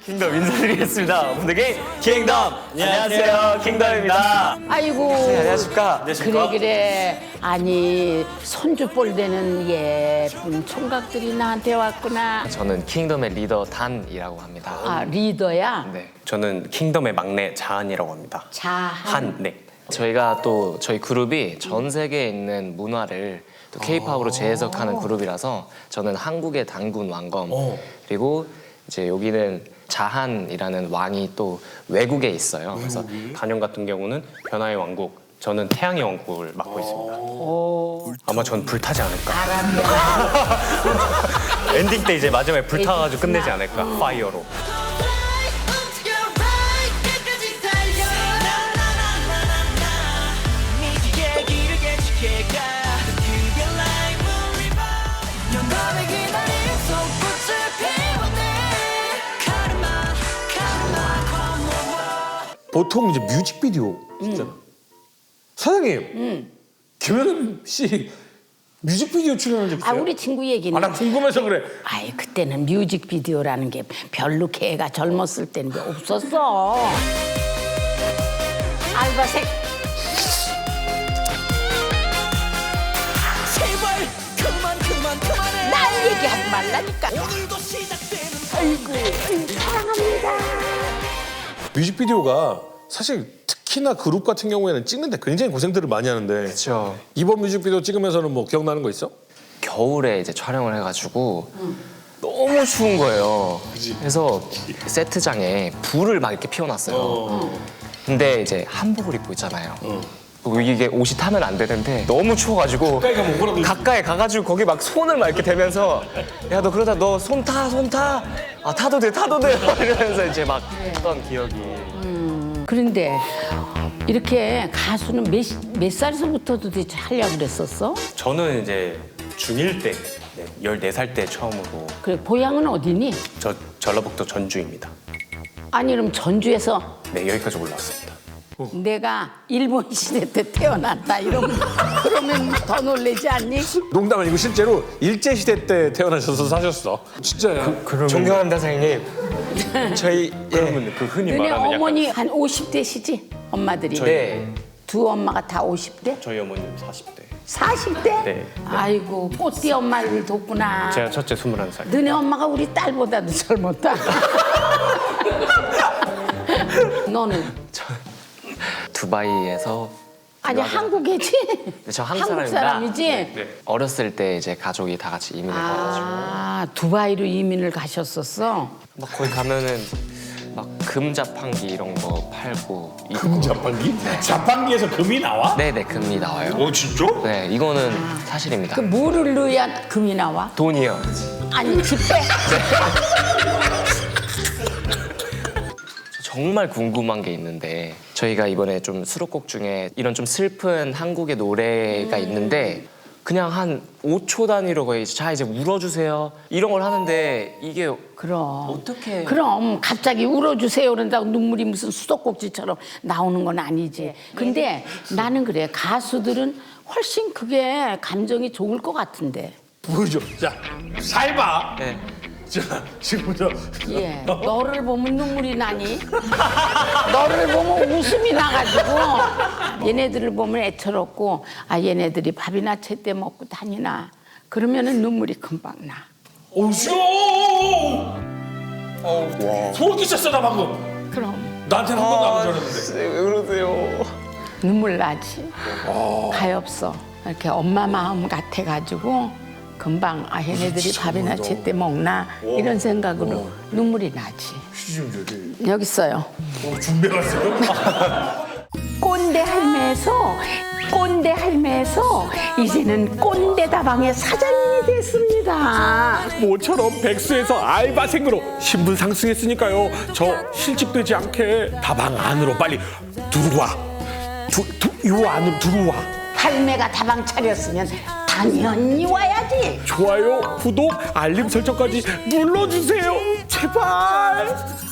킹덤 인사드리겠습니다. 분들께 킹덤! 안녕하세요, 킹덤입니다. 아이고. 안녕하십니까? 그래. 아니, 손주볼 되는 예쁜 총각들이 나한테 왔구나. 저는 킹덤의 리더 단이라고 합니다. 아, 리더야? 네, 저는 킹덤의 막내 자한이라고 합니다. 자한. 네. 저희가 또 저희 그룹이 전 세계에 있는 문화를 또 K-팝으로 재해석하는 그룹이라서 저는 한국의 단군 왕검 그리고 이제 여기는 자한이라는 왕이 또 외국에 있어요. 그래서 단연 같은 경우는 변화의 왕국, 저는 태양의 왕국을 맡고 있습니다. 아마 전 불타지 않을까. 엔딩 때 이제 마지막에 불타가지고 끝내지 않을까. 파이어로. 보통 이제 뮤직비디오 있잖아. 사장님, 김연음 씨 뮤직비디오 출연한 적 아, 있어요? 우리 친구 얘기는. 아, 나 궁금해서 그래. 아이, 그때는 뮤직비디오라는 게 별로 걔가 젊었을 때는 게 없었어. 알바생. 제발 그만해. 날 얘기하지 말라니까. 오늘도 시작되는 아이고, 사랑합니다. 뮤직비디오가 사실 특히나 그룹 같은 경우에는 찍는데 굉장히 고생들을 많이 하는데 그렇죠. 이번 뮤직비디오 찍으면서는 뭐 기억나는 거 있어? 겨울에 이제 촬영을 해가지고 너무 추운 거예요. 그래서 세트장에 불을 막 이렇게 피워놨어요. 근데 이제 한복을 입고 있잖아요. 그리고 이게 옷이 타면 안 되는데 너무 추워가지고 가까이 가면 뭐라도 가까이 가가지고 거기 막 손을 막 이렇게 대면서 야 너 그러다 너 손 타, 손 타. 아 타도 돼, 타도 돼. 이러면서 이제 막 했던 기억이. 그런데 이렇게 가수는 몇 살에서부터 도대체 하려고 그랬었어? 저는 이제 중1 때, 14살 때 처음으로 그래, 고향은 어디니? 저 전라북도 전주입니다. 아니, 그럼 전주에서 네, 여기까지 올라왔습니다. 내가 일본 시대 때 태어났다 이러면 그러면 더 놀라지 않니? 농담 아니고 실제로 일제시대 때 태어나셔서 사셨어. 진짜야. 존경합니다, 선생님. 저희 그러면 그 흔히 너네 말하는 어머니 한 50대시지? 엄마들이? 네. 두 엄마가 다 50대? 저희 어머님 40대. 40대? 네. 아이고, 꽃띠 엄마를 뒀구나. 제가 첫째 21살. 너네 엄마가 우리 딸보다도 젊었다. 너는? 두바이에서 아니, 한국이지? 저 한국 사람입니다. 사람이지? 네. 어렸을 때 이제 가족이 다 같이 이민을 가가지고 아, 두바이로 이민을 가셨었어? 막 거기 가면은 막 금 자판기 이런 거 팔고 금 자판기? 자판기에서 금이 나와? 네네 금이 나와요. 어 진짜? 네 이거는 사실입니다. 그 뭐를 넣어야 금이 나와? 돈이요. 아니, 집배? 정말 궁금한 게 있는데 저희가 이번에 좀 수록곡 중에 이런 좀 슬픈 한국의 노래가 있는데 그냥 한 5초 단위로 거의 자 이제 울어주세요 이런 걸 하는데 이게 그럼. 어떻게 그럼 갑자기 울어주세요 그런다고 눈물이 무슨 수도꼭지처럼 나오는 건 아니지. 근데 나는 그래. 가수들은 훨씬 그게 감정이 좋을 것 같은데. 보여줘. 자, 살봐. 네. 자, 지금부터. 예. 너를 보면 눈물이 나니? 너를 보면 웃음이 나가지고 얘네들을 보면 애처롭고 아 얘네들이 밥이나 제때 먹고 다니나 그러면은 눈물이 금방 나. 오쇼! 소름 끼쳤어 나 방금. 그럼 나한테는 한 번도 안 그러는데. 왜 그러세요? 눈물 나지. 가엾어. 이렇게 엄마 마음 같아가지고 금방 아 얘네들이 밥이나 제때 먹나 이런 생각으로 눈물이 나지. 시좀 저기. 여기 있어요. 준비해왔어요? 꼰대 할매에서 이제는 꼰대 다방의 사장님이 됐습니다. 모처럼 백수에서 알바생으로 신분 상승했으니까요. 저 실직되지 않게 다방 안으로 빨리 들어와. 요 안으로 들어와. 할매가 다방 차렸으면 당연히 와야지. 좋아요, 구독, 알림 설정까지 눌러주세요. 제발.